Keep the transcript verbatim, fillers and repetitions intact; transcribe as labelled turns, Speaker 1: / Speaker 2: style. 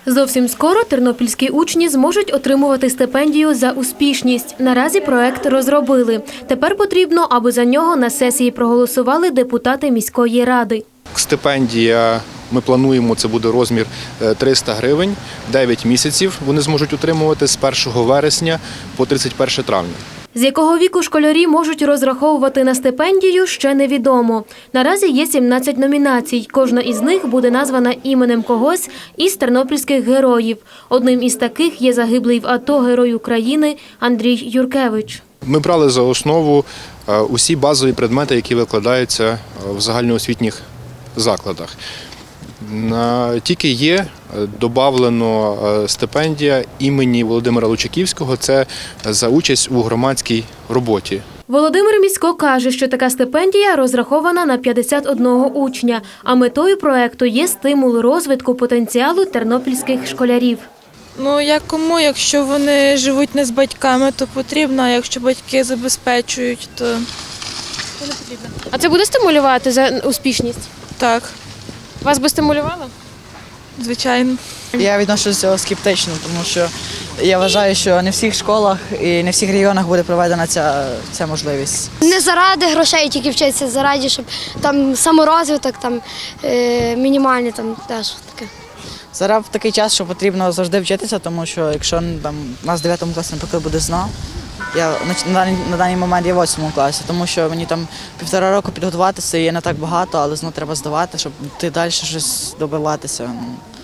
Speaker 1: Зовсім скоро тернопільські учні зможуть отримувати стипендію за успішність. Наразі проект розробили. Тепер потрібно, аби за нього на сесії проголосували депутати міської ради.
Speaker 2: Стипендія, ми плануємо, це буде розмір триста гривень, дев'ять місяців вони зможуть отримувати з першого вересня по тридцять перше травня.
Speaker 1: З якого віку школярі можуть розраховувати на стипендію, ще невідомо. Наразі є сімнадцять номінацій. Кожна із них буде названа іменем когось із тернопільських героїв. Одним із таких є загиблий в АТО герой України Андрій Юркевич.
Speaker 2: Ми брали за основу усі базові предмети, які викладаються в загальноосвітніх закладах. Тільки є додавлено стипендія імені Володимира Лучаківського – це за участь у громадській роботі.
Speaker 1: Володимир Місько каже, що така стипендія розрахована на п'ятдесят одного учня, а метою проекту є стимул розвитку потенціалу тернопільських школярів.
Speaker 3: Ну, як кому, якщо вони живуть не з батьками, то потрібно, а якщо батьки забезпечують, то не потрібно.
Speaker 1: А це буде стимулювати за успішність?
Speaker 3: Так,
Speaker 1: Вас би стимулювало?
Speaker 3: звичайно.
Speaker 4: Я відношуся до цього скептично, тому що я вважаю, що не в всіх школах і не в всіх регіонах буде проведена ця, ця можливість.
Speaker 5: Не заради грошей тільки вчитися, заради, щоб там саморозвиток, там е, мінімальний там теж таке.
Speaker 4: Зараз в такий час, що потрібно завжди вчитися, тому що якщо там у нас в дев'ятому класі, наприклад, буде ЗНО, я на даний, на даний момент є в восьмому класі, тому що мені там півтора року підготуватися є не так багато, але ЗНО треба здавати, щоб ти далі щось добиватися.